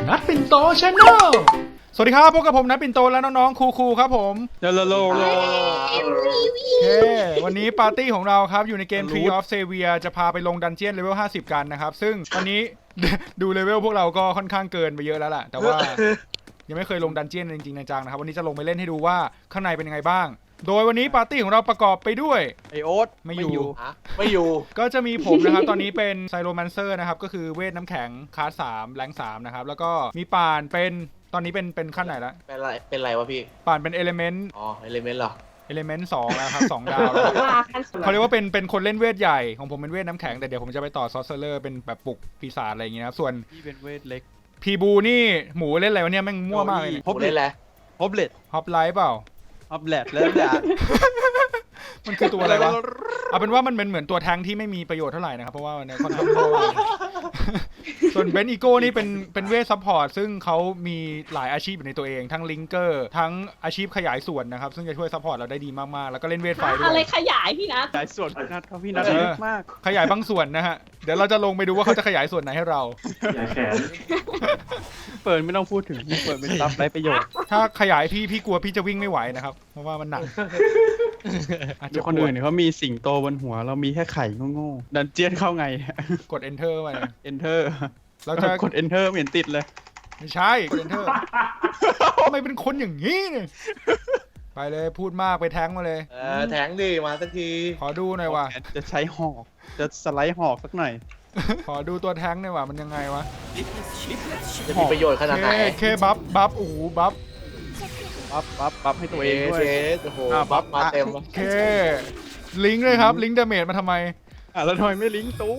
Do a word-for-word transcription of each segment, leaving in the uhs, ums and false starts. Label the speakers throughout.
Speaker 1: นัดปิ่นโตชาแนลสวัสดีครับพบกับผมนัดปิ่นโตและน้องๆครูๆครับผม
Speaker 2: โลโลโลโล
Speaker 1: โอเควันนี้ปาร์ตี้ของเราครับอยู่ในเกม Tree of Savior จะพาไปลงดันเจียนเลเวลห้าสิบกันนะครับซึ่งตอนนี้ ดูเลเวลพวกเราก็ค่อนข้างเกินไปเยอะแล้วล่ะแต่ว่ายังไม่เคยลงดันเจียนจริงๆจังๆนะครับวันนี้จะลงไปเล่นให้ดูว่าข้างในเป็นยังไงบ้างโดยวันนี้ปาร์ตี้ของเราประกอบไปด้วย
Speaker 2: ไอโอ๊ต
Speaker 1: ไม่อยู่
Speaker 3: ไม่อยู่
Speaker 1: ก็จะมีผมนะครับตอนนี้เป็นไซโรแมนเซอร์นะครับก็คือเวทน้ำแข็งคลาสสามแรงสามนะครับแล้วก็มีป่านเป็นตอนนี้เป็นเป็นขั้นไหนแล้ว
Speaker 3: เป็นไรเป็นไรวะพี่
Speaker 1: ป่านเป็นเอลิเมนต์
Speaker 3: อ๋อเอลิเมนต์เหรอ
Speaker 1: เอลิเมนต์สองแล้วครับสองดาวเขาเรียกว่าเป็นเป็นคนเล่นเวทใหญ่ของผมเป็นเวทน้ำแข็งแต่เดี๋ยวผมจะไปต่อซอสเซอร์เป็นแบบปลุกปีศาจอะไรอย่างเงี้ยครับส่วน
Speaker 2: พี่เป็นเวทเล็ก
Speaker 1: พีบูนี่หมูเล่นอะไรวะเนี่ยแม่งมั่วมากเลย
Speaker 3: ฮอปเล่นอะไร
Speaker 2: ฮอปเล็ต
Speaker 1: ฮอปไลท์เปล่า
Speaker 2: ฮอปเล็ตแล้วด่า
Speaker 1: มันคือตัวอะไรวะเอาเป็นว่ามันเป็นเหมือนตัวแทงที่ไม่มีประโยชน์เท่าไหร่นะครับเพราะว่าเนี่ยค่อนข้างโง่ส่วนเบนอีโก้นี่เป็นเป็นเวทซัพพอร์ตซึ่งเขามีหลายอาชีพอยู่ในตัวเองทั้งลิงเกอร์ทั้งอาชีพขยายส่วนนะครับซึ่งจะช่วยซัพพอร์ตเราได้ดีมากๆแล้วก็เล่นเวทไฟด้วย
Speaker 4: อะไรขยายพี่นะ
Speaker 2: ขยายส่วนพี่นัทครับพี่นัทเยอะมาก
Speaker 1: ขยายบางส่วนนะฮะเดี๋ยวเราจะลงไปดูว่าเขาจะขยายส่วนไหนให้เรา
Speaker 5: ขยายแขน
Speaker 2: เปิดไม่ต้องพูดถึงเปิดเป็นซับไร้ประโยชน์
Speaker 1: ถ้าขยายพี่พี่กลัวพี่จะวิ่งไม่ไหวนะครับเพราะว่ามันหนัก
Speaker 2: อาจจะคนอื่นเขามีสิงโตบนหัวเรามีแค่ไข่โง่ๆดันเจียนเข้าไง
Speaker 1: กด enter ไป
Speaker 2: enter
Speaker 1: เราจะ
Speaker 2: กด enter เหมือนติดเลย
Speaker 1: ไม่ใช่กด enter ทำไมเป็นคนอย่างนี้เนี่ยไปเลยพูดมากไปแทงมาเลย
Speaker 3: เออแทงดิมาสักที
Speaker 1: ขอดูหน่อยว่ะ
Speaker 2: จะใช้หอกจะสไลด์หอกสักหน่อย
Speaker 1: ขอดูตัวแทงหน่อยว่ะมันยังไงวะ
Speaker 3: จะมีประโยชน์ขนาดไหน
Speaker 1: เคบัฟบัฟโอ้โหบัฟ
Speaker 2: บัฟบัฟบัฟให้ตัวเองด้วย
Speaker 3: โอ้โหบัฟมาเต็ม
Speaker 1: โอเคลิงก์เลยครับลิงก์ดาเมจมาทำไม
Speaker 2: อ่ะแล้วทำไมไม่ลิงก์ตู้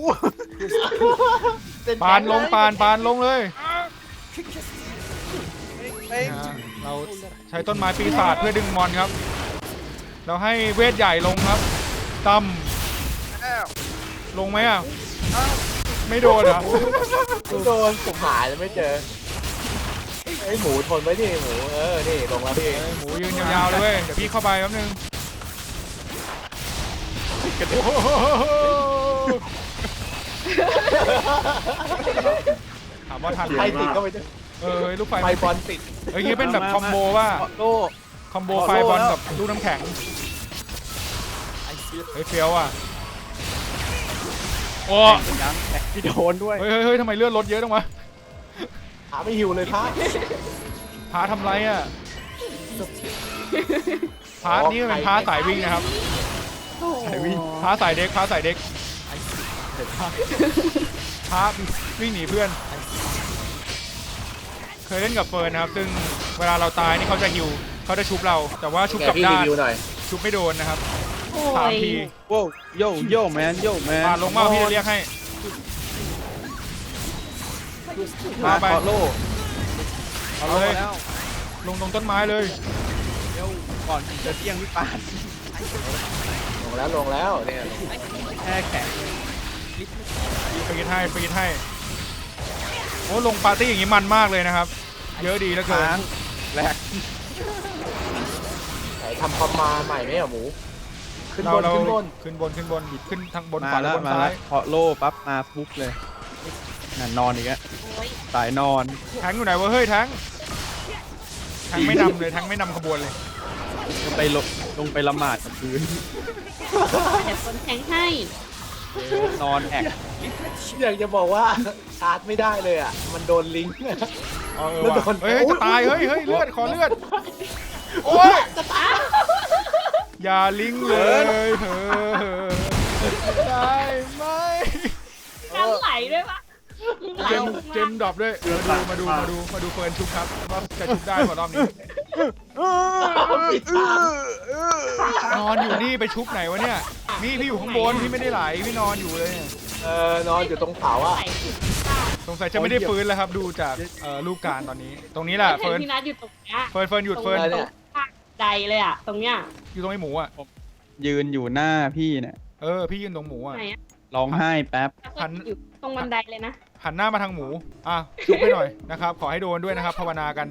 Speaker 1: ปานลงปานปานลงเลยเราใช้ต้นไม้ปีศาจเพื่อดึงมอนครับเราให้เวทใหญ่ลงครับตั้มลงไหมอ่ะไม่โดนอ่ะ
Speaker 3: โดนผมหายแล้วไม่เจอไอหมูทนไว้ดิหมูเออนี่ลงแล้วพี่
Speaker 1: หมูยืนยาวๆเลยเว้ยเดี๋ยวพี่เข้าไปแป๊บนึงถามว่าทัน
Speaker 3: ไฟติดก็ไม่ได้
Speaker 1: เออลูกไฟ
Speaker 3: ไฟบอลติด
Speaker 1: เอ้ยนี่เป็นแบบคอมโบว่าคอมโบไฟบอลกับลูกน้ำแข็งเฮ้ยเฟี้ยวอ่ะโอ้
Speaker 2: ยังแตกพี่โดนด้วย
Speaker 1: เฮ้ยเฮ้ยทำไมเลือดลดเยอะจังวะ
Speaker 3: พาไม่หิวเลยพา
Speaker 1: พาทำไรอ่ะพานี่เป็นพาสายวิ่งนะครับสายวิ่งพาสายเด็กพาสายเด็กพาวิ่งหนีเพื่อนเคยเล่นกับเฟิร์นนะครับซึ่งเวลาเราตายนี่เขาจะฮิวเขาจะชุบเราแต่ว่าชุบกับด้านชุบไม่โดนนะครับสามที
Speaker 2: โว้โยโย่แมนโย่แมน
Speaker 1: มาลงมาพี่จะเรียกให้มาไป
Speaker 2: โล่
Speaker 1: เอาเลยลงตรงต้นไม้เลย
Speaker 2: เดี๋ยวก่อนจะเที่ยงพี่ปาน
Speaker 3: ลงแล้วลงแล้วเนี่ย
Speaker 2: แค่แข็ง
Speaker 1: ปีนให้ปีนให้โอ้ลงปาร์ตี้อย่างนี้มันมากเลยนะครับเยอะดีแล้วเกิน
Speaker 2: แรก
Speaker 3: ไหนทำคอมมาใหม่ไหมอ่ะหมูขึ้นบนขึ้นบน
Speaker 1: ขึ้นบนขึ้นบนขึ้นทางบนขวาแล้วบนซ้าย
Speaker 2: พอโล่ปั๊บมาปุ๊บเลยนั่นนอนอีกแล้วสายนอน
Speaker 1: แทงอยู่ไหนวะเฮ้ยแทงแทงไม่นำเลยแทงไม่นำขบวนเลย
Speaker 2: ลงไปลงลงไปละหมาดกับพื้น
Speaker 4: แต่คนแทงให้
Speaker 2: นอนแอก
Speaker 3: อยากจะบอกว่าชาร์จไม่ได้เลยอ่ะมันโดนลิงก์
Speaker 1: เออว่ะเฮ้ยจะตายเฮ้ยเฮ้ยเลือดขอเลือดโอ้ย
Speaker 4: จะตาย
Speaker 1: อย่าลิงเลยเฮ้ยได้ไหม
Speaker 4: น้ำไหลด้วยปะ
Speaker 1: เจมเจมดรอปด้วยมาดูมาดูมาดูมาดูเฟิร์นชุบครับว่าจะชุบได้กว่ารอบนี้นอนอยู่นี่ไปชุบไหนวะเนี่ยนี่พี่อยู่ข้างบนพี่ไม่ได้ไหลพี่นอนอยู่เลย
Speaker 3: เออนอนอยู่ตรงเสาอ่ะ
Speaker 1: สงสัยจะไม่ได้ฟื้นแล้วครับดูจากรูปการตอนนี้ตรงนี้แหละเฟิร์น
Speaker 4: พี่นัทอยู่ตรงนี้
Speaker 1: เฟิร์นเฟิร์นหยุดเฟิร์น
Speaker 4: ใดเลยอ่ะตรงเนี้ย
Speaker 1: อยู่ตรงไอ้หมูอ่ะ
Speaker 2: ยืนอยู่หน้าพี่เนี่ย
Speaker 1: เออพี่ยืนตรงหมูอ่ะ
Speaker 2: ร้องไห้แป๊บ
Speaker 4: หันอยู่ตรงบันไดเลยนะ
Speaker 1: หันหน้ามาทางหมูอ่ะชุบไปหน่อยนะครับขอให้โดนด้วยนะครับภาวนากัน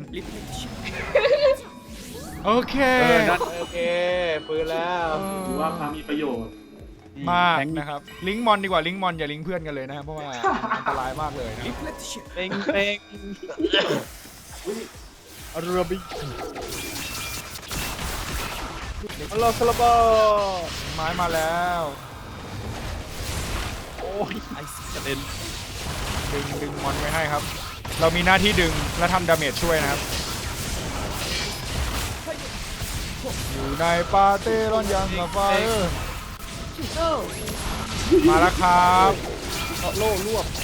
Speaker 1: โอเค
Speaker 3: โอเคฟื้นแล้ว
Speaker 5: ถือว่าพามีประโยชน์
Speaker 1: มาก
Speaker 2: แทง
Speaker 1: นะครับลิงก์มอนดีกว่าลิงก์มอนอย่าลิงก์เพื่อนกันเลยนะครับเพราะว่าอันตรายมากเลยนะ
Speaker 2: เป้งเป้งอาราบิฮัลโหลคาราบา
Speaker 1: ไม้มาแล้ว
Speaker 2: โอ้ยกระเด็น
Speaker 1: ดึงดึงมอนไว้ให้ครับ เรามีหน้าที่ดึงและทำดาเมจช่วยนะครับอยู่ในปาเต้ร้อนยังกับไฟเออมาแล้วครับ
Speaker 2: โล่รวบ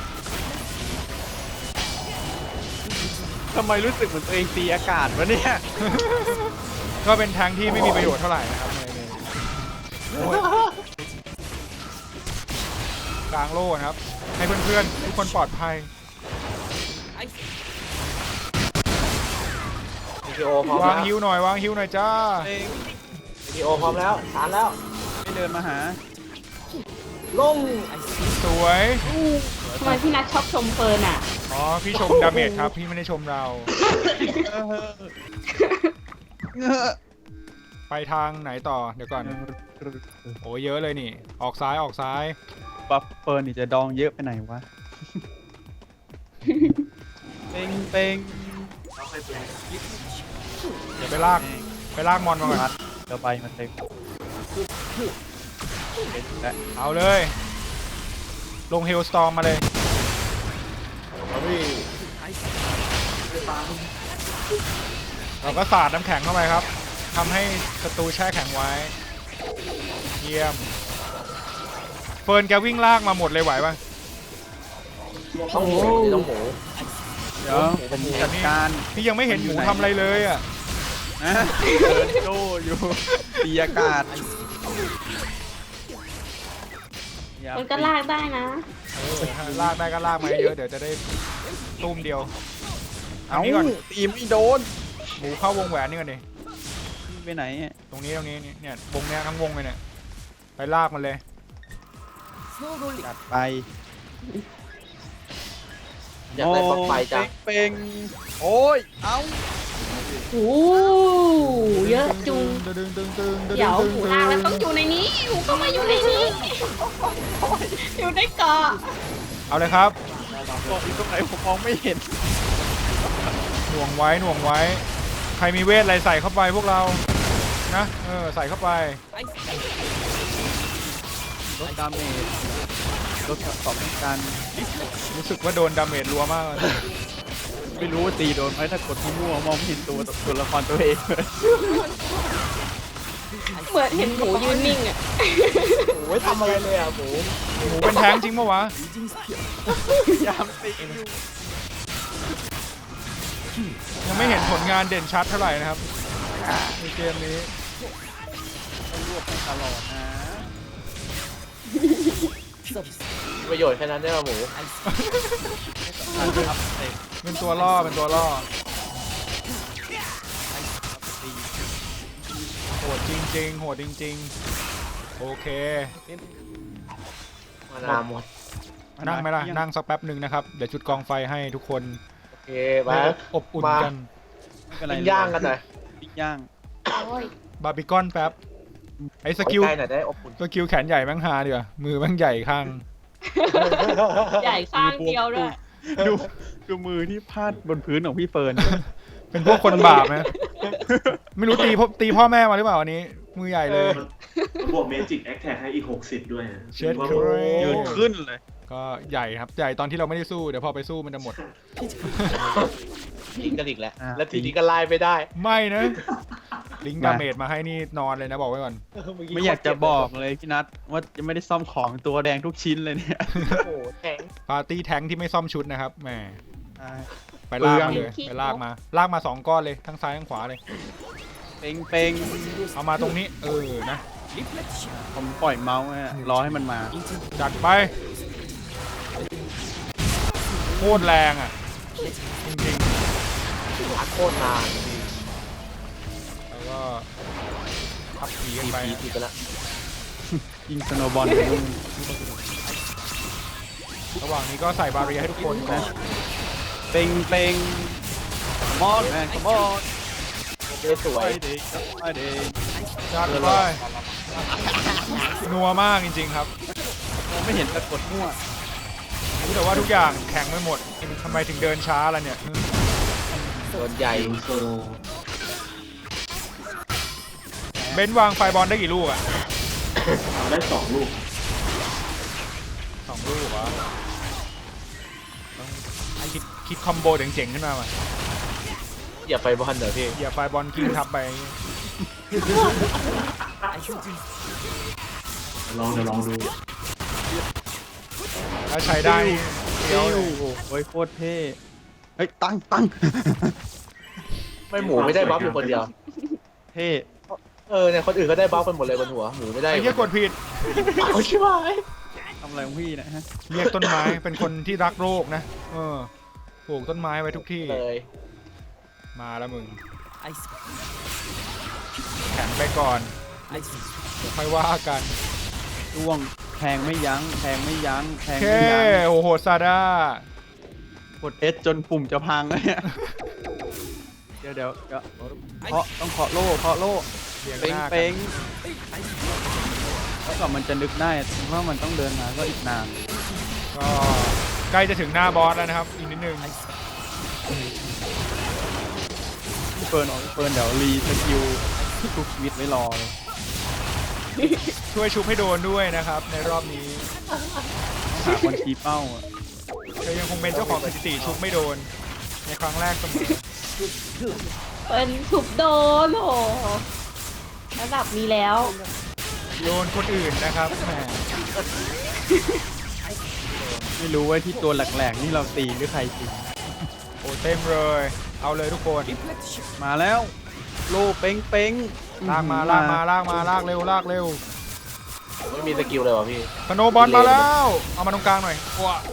Speaker 2: ทำไมรู้สึกเหมือนตัวเองตีอากาศวะเนี่ย
Speaker 1: ก็เป็นทางที่ไม่มีประโยชน์เท่าไหร่นะครับในในโอ้ยกลางโล่นะครับ ให้เพื่อนๆทุกคนปลอดภัย
Speaker 3: วิดีโอพร้อม
Speaker 1: วาง
Speaker 3: แล้ว
Speaker 1: ฮิวหน่อยวางฮิวหน่อยจ้า
Speaker 2: เป้ง
Speaker 3: วิดีโอพร้อมแล้วฐานแล้ว
Speaker 2: ไม่เดินมาหา
Speaker 3: ลง
Speaker 1: สวย
Speaker 4: ทำไมพี่นัทชอบชมเฟิร์นอ่ะ
Speaker 1: อ๋อพี่ชมดาเมจครับพี่ไม่ได้ชมเรา ไปทางไหนต่อเดี๋ยวก่อนโอ้เยอะเลยนี่ ออกซ้ายออกซ้าย
Speaker 2: บัฟเฟิร์นนี่จะดองเยอะไปไหนวะ เป้งเป้ง
Speaker 1: เดี๋ยวไปลากไปลากมอนมาก่อน
Speaker 2: เดี๋ยวไปมาเต็มเห็นแล้ว
Speaker 1: เอาเลย ลงเฮลสตอร์มมาเลยเราก็สาดน้ำแข็งเข้าไปครับทำให้ศัตรูแช่แข็งไว้เยี่ยมเฟิร์นแกวิ่งลากมาหมดเลยไหวปะ
Speaker 3: ต้องหมูต้องหมู
Speaker 2: เดี๋ยวผมจัดการ
Speaker 1: พี่ยังไม่เห็นหมูทำอะไรเลยอ่ะ
Speaker 2: นะเดินโจอยู่ตีอากาศ
Speaker 4: มันก็ลากได้นะ
Speaker 1: เออลากได้ก็ลากมาเยอะเดี๋ยวจะได้ตุ้มเดียว
Speaker 2: เอ้า
Speaker 1: อันนี้ก่อน
Speaker 2: ตีไม่โดน
Speaker 1: หมูเข้าวงแหวนนี่ก่อนดิ
Speaker 2: ไปไหนอะ
Speaker 1: ตรงนี้ตรงนี้นี่เนี่ยวงเนี้ยทั้งวงเลยเนี่ยไปลากมันเลย
Speaker 2: จัดไป
Speaker 3: อยากได้ปลั๊กไฟจัง
Speaker 2: เป้งโอ้ย เอ้า
Speaker 4: โอ้เยอะจุง
Speaker 1: ดึงดึงดึงดึง
Speaker 4: เดี๋ยวหมูลากแล้วต้องอยู่ในนี้หมูก็มาอยู่ในนี้ อยู่ในเกาะ
Speaker 1: เอาเลยครับ
Speaker 2: บอกอยู่ตรงไหนผมมองไม่เห็น
Speaker 1: หน่วงไว้หน่วงไว้ ใครมีเวทอะไรใส่เข้าไปพวกเรานะเออใส่เข้าไป
Speaker 2: ลดดาเมจลดตอบต้องการ
Speaker 1: รู้สึกว่าโดนดาเมจรัวมากเลย
Speaker 2: ไม่รู้ว่าตีโดนไหมถ้ากดมั่วๆมองไม่เห็นตัวตัวละครตัวเองเลย
Speaker 4: เหมือนเห็นหมูยืนนิ่งอ่ะ
Speaker 3: หมูไม่ทำอะไรเลยอ่ะหมู
Speaker 1: หมูเป็นแท้งจริงปะวะ
Speaker 2: ยามตีอยู่
Speaker 1: ยังไม่เห็นผลงานเด่นชัดเท่าไหร่นะครับในเกมนี้
Speaker 2: ต้องรวบให้ตลอดนะ
Speaker 3: ประโยชน์แค่นั้นได้ป่ะหมู
Speaker 2: อันอัพเตะ
Speaker 1: เป็นตัวล่อเป็นตัวล่อโหดจริงๆโหดจริงๆโอเค
Speaker 3: มานาวหมด
Speaker 1: นั่งไหมล่ะนั่งสักแป๊บหนึ่งนะครับเดี๋ยวจุดกองไฟให้ทุกคน
Speaker 3: โอเคมา
Speaker 1: ได้อบอุ่นกัน
Speaker 2: ไม่เป็นไร
Speaker 3: ปิ้งย่างกันหน่อย
Speaker 2: ปิ้งย่าง
Speaker 4: โอ้ย
Speaker 1: บาร์บีคอนแป๊บไอ้สกิล
Speaker 3: ใกล้หน่อยได้อบอุ่น
Speaker 1: สกิลแขนใหญ่แม่งฮาดีกว่ามือแม่งใหญ่ข้าง
Speaker 4: ใหญ่ข้างเดียวด้วย
Speaker 2: ดูดูมือที่พาดบนพื้นของพี่เฟิร์น
Speaker 1: เป็นพวกคนบาปไหมไม่รู้ตีพ่อตีพ่อแม่มาหรือเปล่าวันนี้ มือใหญ่เลย
Speaker 5: บวกเมจิกแอคแท็กให้อีกหกสิบด้วยนะ
Speaker 1: เช็ด
Speaker 5: ว่า
Speaker 1: เคร
Speaker 2: ยืนขึ้นเลย
Speaker 1: ก็ใหญ่ครับใหญ่ตอนที่เราไม่ได้สู้เดี๋ยวพอไปสู้มันจะหมด
Speaker 3: ลิงกันอีกแล้ว
Speaker 2: อ่ะ
Speaker 3: แล้วทีนี้ก็ไล่ไม่ได้
Speaker 1: ไม่นะ ลิงก์ดาเมจมาให้นี่นอนเลยนะบอกไว้ก่อน
Speaker 2: ไม่อยากจะบอกเลยพี่นัทว่ายังไม่ได้ซ่อมของตัวแดงทุกชิ้นเลยเนี่ย
Speaker 3: โอ้โหแทง
Speaker 1: ปาร์ตี้แทงที่ไม่ซ่อมชุดนะครับแหม
Speaker 2: อ่า
Speaker 1: ไปลากมา
Speaker 2: เปลื
Speaker 1: เล
Speaker 2: อง
Speaker 1: ยไปลากมาลากมาสองก้อนเลยทั้งซ้ายทั้งขวาเลย
Speaker 2: เป่งเป่ง
Speaker 1: เอามาตรงนี้เออนะ
Speaker 2: ผมปล่อยเมาส์อะรอให้มันมา
Speaker 1: จัดไปโคตรแรงอ่ะจริง
Speaker 3: หาโคตรนาน
Speaker 1: ๆแล้วก็ทับผีกัน
Speaker 3: ที
Speaker 1: ไป
Speaker 3: พีทีไปละ
Speaker 2: ยิงสโนว์บอล
Speaker 1: ระหว่างนี้ก็ใส่บาเรียให้ทุกคนก่อน
Speaker 2: เป่งเป่งมอนแมนมอน
Speaker 3: เจ๊สว
Speaker 2: ไป
Speaker 3: ย
Speaker 2: เด็กไปเด็ก
Speaker 1: จัดไปนัวมากจริงๆครับ
Speaker 2: มองไม่เห็นแต่กดมั่ว
Speaker 1: รู้แต่ว่าทุกอย่างแข็งไปหมดทำไมถึงเดินช้าล่ะเนี่ย
Speaker 3: โดนใหญ่
Speaker 5: ยูโซโล
Speaker 1: เบนซ์วางไฟบอลได้กี่ลูกอะ
Speaker 5: ทำได้สองลูก
Speaker 1: สองลูกเหรอต้องคิดคิดคอมโบเจ๋งๆขึ้นมาว่ะ
Speaker 3: อย่าไปบอลเดี๋ยวพี่
Speaker 1: อย่าไฟบอลกิ้งทับไป
Speaker 5: ลองเดี๋ยวลองดู
Speaker 1: แล้วใช้ได้เดี๋ยว
Speaker 2: โอ้โหโอ้ยโคตรเท่เฮ้ยตั้งตั้ง
Speaker 3: ไม่หมูไม่ได้บัฟอยู่คนเดียว
Speaker 2: เท่
Speaker 3: เออเนี่ยคนอื่นก็ได้บัฟกันหมดเลยบนหัวหมูไม่ได้
Speaker 1: ไอ้เหี้ยกดผิด
Speaker 3: เอาใช่ไหม
Speaker 2: ทำอะไรของพี่นะฮะ
Speaker 1: เรียกต้นไม้เป็นคนที่รักโลกนะ เออปลูกต้นไม้ไว้ทุกที่
Speaker 3: เลย
Speaker 1: มาแล้วมึง แข็งไปก่อนเดี๋ยวค่อยว่ากัน
Speaker 2: ช่วงแทงไม่ยั้งแทงไม่ยั้งแท
Speaker 1: โอง เค
Speaker 2: ไม่ยั้ง
Speaker 1: โอ้โหซาด้าก
Speaker 2: ดเอสจนปุ่มจะพังเลยเนี่ยเดี๋ยวเดี๋ยวเดี๋ยวเคาะต้องเคาะโล่เคาะโล่
Speaker 1: เรียง
Speaker 2: เป้ง
Speaker 1: หน้ากั
Speaker 2: เป้
Speaker 1: น
Speaker 2: งแล้วก็มันจะนึกได้ว่ามันต้องเดินมาก็อีกนาน
Speaker 1: ก็ใกล้จะถึงหน้าบอสแล้วนะครับ อีกนิดนึง
Speaker 2: พี่เฟิร์นออกพี่เฟิร์นเดี๋ยวรีสกิลทุกชีวิตไว้รอเลย
Speaker 1: ช่วยชุบให้โดนด้วยนะครับ ในรอบนี้
Speaker 2: หาคนชี้เป้าอะ
Speaker 1: เธอยังคงเป็นเจ้าของสถิติชุบไม่โดน ในครั้งแรกเสมอ
Speaker 4: เป็นทุบโดนโหระดับนี้แล้ว
Speaker 1: โดนคนอื่นนะครับแหม
Speaker 2: ไม่รู้ว่าที่ตัวแหลกๆนี่เราตีหรือใครตี
Speaker 1: โอ้เต็มเลย เอาเลยทุกคน
Speaker 2: มาแล้วโล่เป้งเป้ง
Speaker 1: ลากมาลากมาลากมาลากเร็วลากเร็ว
Speaker 3: ไม่มีสกิลเลยวะพี่
Speaker 1: สโนว์บอลมาแล้ว เอามาตรงกลางหน่อยว้า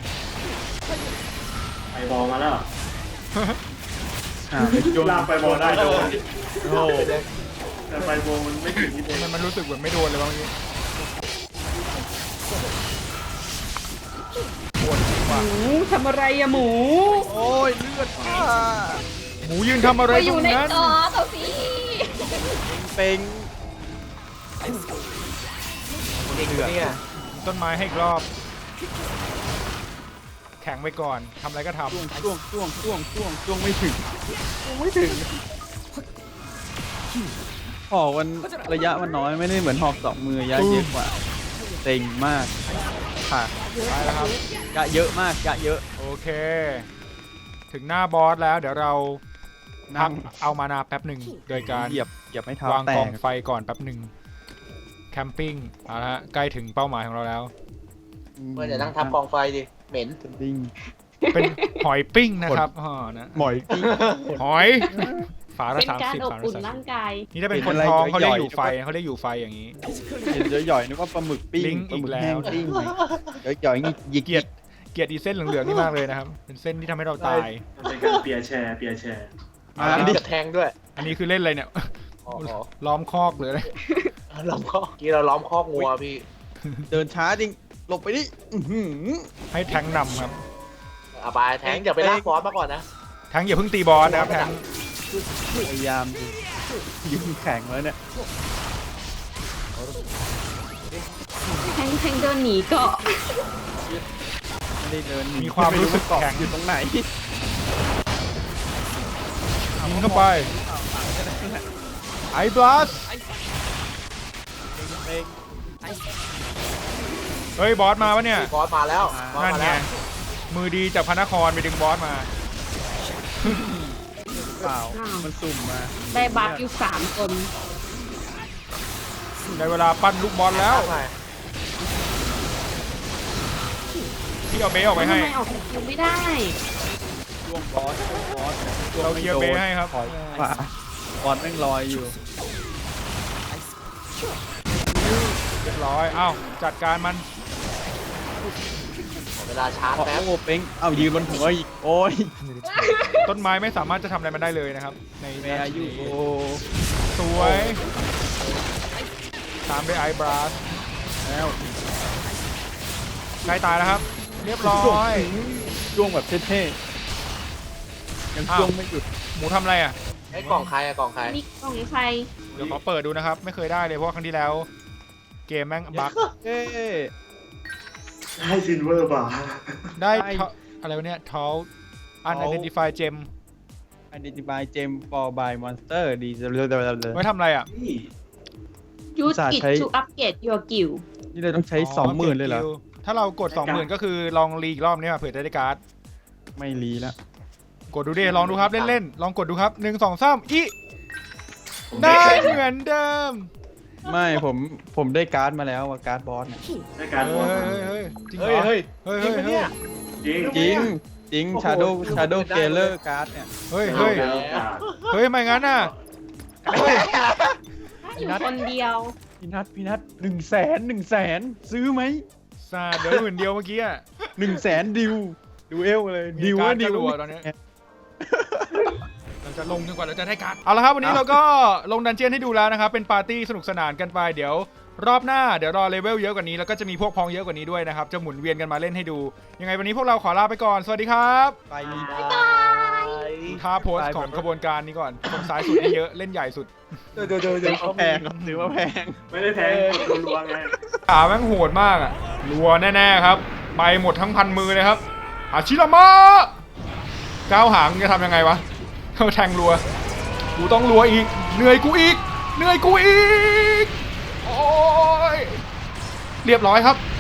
Speaker 5: ไอบอลมาแล้ว
Speaker 2: อ่าไปจุ่ม
Speaker 5: ลากไปบอลได้โดน
Speaker 2: โอ้
Speaker 5: แต่ไปบอลมันไม่ถึงที่เด็
Speaker 1: มันมันรู้สึกเหมือนไม่โดนเลยบางทีปวดจริงว่ะ
Speaker 4: หมูทำอะไรอะหมู
Speaker 2: โอ้ยเลือดอ่า
Speaker 1: หมูยืนทำอะไร
Speaker 4: ไปอ
Speaker 1: ตร
Speaker 4: ยู่
Speaker 1: ง
Speaker 4: ใน
Speaker 1: นั้น
Speaker 4: จอเขาสิ
Speaker 2: เป้ง
Speaker 3: อีกเนี่ย
Speaker 1: ต้นไม้ให้อีกรอบ แข็งไว้ก่อนทำอะไรก็ท
Speaker 2: ช่วงช่วงช่วงช่วงช่วงช่วงไม่ถึงช่วงไม่ถึงหอกมันระยะมันน้อยไม่ได้เหมือนหอกสองมือระยะเยอะกว่าเต็งมากค่ะ
Speaker 1: ำไปแล้วครับ
Speaker 2: ยะเยอะมากยะเยอะ
Speaker 1: โอเค ถึงหน้าบอสแล้ว เดี๋ยวเราพั
Speaker 2: นั่
Speaker 1: ก
Speaker 2: ง
Speaker 1: เอามานาแป๊บหนึ่งโดยการ
Speaker 2: เหยียบเหยียบให้เท้าว
Speaker 1: าง
Speaker 2: แต
Speaker 1: กอก งไฟก่อนแป๊บหนึ่งแคมปิ้งเอาละฮะใกล้ถึงเป้าหมายของเราแล้ว
Speaker 3: เมื่อจะนั่งทับกองไฟดิเหม็น
Speaker 2: ดิ้ง
Speaker 1: เป็นหอยปิ้งนะครับอ๋อนะ
Speaker 2: หมอยปิ้ง
Speaker 1: หอยฝาละ
Speaker 4: เป็น
Speaker 1: สาม
Speaker 4: การ
Speaker 1: สิบ
Speaker 4: อบ
Speaker 1: ฝาละ
Speaker 4: อุ่น
Speaker 1: สาม
Speaker 4: ร่าง
Speaker 1: สิบ
Speaker 4: กาย
Speaker 1: นี่ถ้าเป็น
Speaker 2: เห็น
Speaker 1: คน
Speaker 2: อะไร
Speaker 1: ท้องเขาเรียก
Speaker 2: ย่อยๆ
Speaker 1: อยู่ไฟ
Speaker 2: นึกว่า
Speaker 1: เขาเรียกอยู่ไฟอย่างนี้
Speaker 2: เห็นย่อยๆนึกว่าปลาหมึกปิ้ง
Speaker 1: ลิงก์
Speaker 2: ปลาหมึ
Speaker 1: อี
Speaker 2: ก
Speaker 1: กแล้ว
Speaker 2: แห้งปิ้งย่อยๆนี่หยิก
Speaker 1: เกลียดเกลียดอีเส้นเหลืองๆนี่มากเลยนะครับ เป็นเส้นที่ทำให้เราตาย
Speaker 5: มันเป็นการเปียร์แชร์เปียร์แชร์
Speaker 1: อ่า
Speaker 3: อันนี้กระแทงด้วย
Speaker 1: อันนี้คือเล่นอะไรเนี่ย
Speaker 3: อ๋อ
Speaker 1: ล้อมคอกหรืออะไร
Speaker 3: ล้อมคอกกี้เราล้อมคอกงัวพี่
Speaker 2: เดินช้าจริงหลบไปดิอื้อหือ
Speaker 1: ให้แทงค์นำครับ
Speaker 3: อาบายแทงอย่าไปลากฟอสมาก่อนนะ
Speaker 1: แทงค์อย่าเพิ่งตีบอสนะครับแทงค์
Speaker 2: พยายามดิยืนแข็งแล้วเนี่ย
Speaker 4: แทงแทงเดินหนีเกาะ
Speaker 2: ไม่ได้เดินหนี
Speaker 1: มีความรู้สึก
Speaker 2: ไเกาะ
Speaker 1: แข็ง
Speaker 2: อยู่ตรงไหน
Speaker 1: ยิงเข้าไปไอ้บลัสเฮ้ยบอสมาวะเนี่ย
Speaker 3: ฟอสมาแล้วฟอส
Speaker 1: นั่น
Speaker 3: มา
Speaker 1: ไง
Speaker 3: แล้ว
Speaker 1: มือดีจากพระนครไปดึงบอสมา
Speaker 2: เปล่ามันสุ่มมา
Speaker 4: ได้บัฟอยู่สามคน
Speaker 1: ได้เวลาปั้นลูกบอลแล้ว
Speaker 3: ใช่
Speaker 1: ที่เอาเบสออกไปให้
Speaker 4: ทำไมออกคิวไม่ได้
Speaker 2: ช่วงบอสช่วงบอสช่วง
Speaker 1: เรา
Speaker 2: ไม่
Speaker 1: เคลียร์
Speaker 2: โด
Speaker 1: เบ
Speaker 2: น
Speaker 1: สให้ครับ
Speaker 2: ถอยขวาบอสแม่งลอยอยู่
Speaker 1: เรียบร้อยเอ้าจัดการมัน
Speaker 3: เวลาชาร์จ
Speaker 2: โอ้
Speaker 3: แป๊บ
Speaker 2: โหเป้งเอ้ายืนบนหัวอีกโอ้ย
Speaker 1: ต้นไม้ไม่สามารถจะทำอะไรมันได้เลยนะครับ ใน
Speaker 2: แม่อายุโอ้
Speaker 1: สวยตามด้วยไอ้บลัส
Speaker 2: แล้ว
Speaker 1: ใกล้ตายแล้วครับ เรียบร้อย
Speaker 2: ช่วงแบบเท่ๆยังช่วงไม่หยุด
Speaker 1: หมูทำอะไรอ่ะ
Speaker 3: ไอ้กล่องใครอะกล่องใคร
Speaker 4: นี่กล่องใคร
Speaker 1: เดี๋ยวขอเปิดดูนะครับ ไม่เคยได้เลยเพราะว่าครั้งที่แล้วเกมแม่งบั๊ก
Speaker 2: เอ้ย
Speaker 5: ให้ซินเวอร์บาร์
Speaker 1: ได้
Speaker 2: ได้
Speaker 1: ทออะไรวะเนี่ยทอลอัน identify gem
Speaker 2: identify gem for by monster ดีเลย
Speaker 1: ไว้ทำอะไรอ่ะ
Speaker 5: นี่
Speaker 4: ยูสกิ
Speaker 2: ใช้
Speaker 4: to upgrade your guild
Speaker 2: นี่เลยต้องใช้สองหมื่นเลยเหรอ
Speaker 1: ก็บ guild ถ้าเรากด สองหมื่น ก็คือลองรีอีกรอบนี้มาเผื่อจะได้การ์ด
Speaker 2: ไม่รีแล้ว
Speaker 1: กดดูดิลองดูครับเล่นๆลองกดดูครับหนึ่งสองสามอี
Speaker 5: ผม
Speaker 1: ได้เหมือนเดิม
Speaker 2: ไม่ผมผมได้การ์ดมาแล้วว่าการ์ดบอสเนี่ย
Speaker 5: ได้การบอล
Speaker 1: เฮ้ยเฮ้ยจริงเหร
Speaker 3: เฮ้ย
Speaker 1: อ
Speaker 3: เฮ้ย
Speaker 1: เฮ้ย
Speaker 3: จริ
Speaker 1: เฮ้
Speaker 3: ง
Speaker 1: ย
Speaker 3: ปะเนี่ย
Speaker 5: จริง
Speaker 2: จริงจริง
Speaker 3: โอ้โห
Speaker 2: Shadow
Speaker 3: ดู
Speaker 2: Shadow
Speaker 3: ได้
Speaker 2: Galer การ์ดเนี่ย
Speaker 1: เฮ้ยเฮ้ย
Speaker 5: เอาแล้ว
Speaker 1: เฮ้ยไม่งั้นน่ะเฮ้ย
Speaker 4: อยู่คนเดียว
Speaker 2: พี่นัทพี่นัทหนึ่งแสนหนึ่งแสนซื้อไหม
Speaker 1: ซาเดี๋ยวหมื่นเดียวเมื่อกี้อ่ะ
Speaker 2: หนึ่งแสนดิวดูเอลเลย
Speaker 1: มี
Speaker 2: ดิว
Speaker 1: การ์
Speaker 2: ว่า
Speaker 1: ด
Speaker 2: ดิว
Speaker 1: จะรัวตอนนี้ เราจะลงจนกว่าเราจะได้การ์ดเอาละครับวันนี้เราก็ลงดันเจียนให้ดูแล้วนะครับเป็นปาร์ตี้สนุกสนานกันไปเดี๋ยวรอบหน้าเดี๋ยวรอเลเวลเยอะกว่านี้แล้วก็จะมีพวกพ้องเยอะกว่านี้ด้วยนะครับจะหมุนเวียนกันมาเล่นให้ดูยังไงวันนี้พวกเราขอลาไปก่อนสวัสดีครับ
Speaker 2: ไป
Speaker 3: บ๊ายบาย
Speaker 1: ท่าโพสของขบวนการนี้ก่อนตรงซ้ายสุดนี่เยอะเล่นใหญ่สุด
Speaker 3: เดี๋ยวเดี๋ยวเดี๋ยว
Speaker 2: ถื
Speaker 3: เดี๋
Speaker 2: อ
Speaker 3: ยว
Speaker 2: ว่าแพงครับถือว่าแพง
Speaker 5: ไม่ได้แพงกดรัวๆไง
Speaker 1: ขาแม่งโหดมากอ่ะรัวแน่ๆครับไปหมดทั้งพันมือเลยครับอาชิรามะก้าวหางจะทำยังไงวะเขาแทงรัวกูต้องรัวอีกเหนื่อยกูอีกเหนื่อยกูอีกโอ้ยเรียบร้อยครับ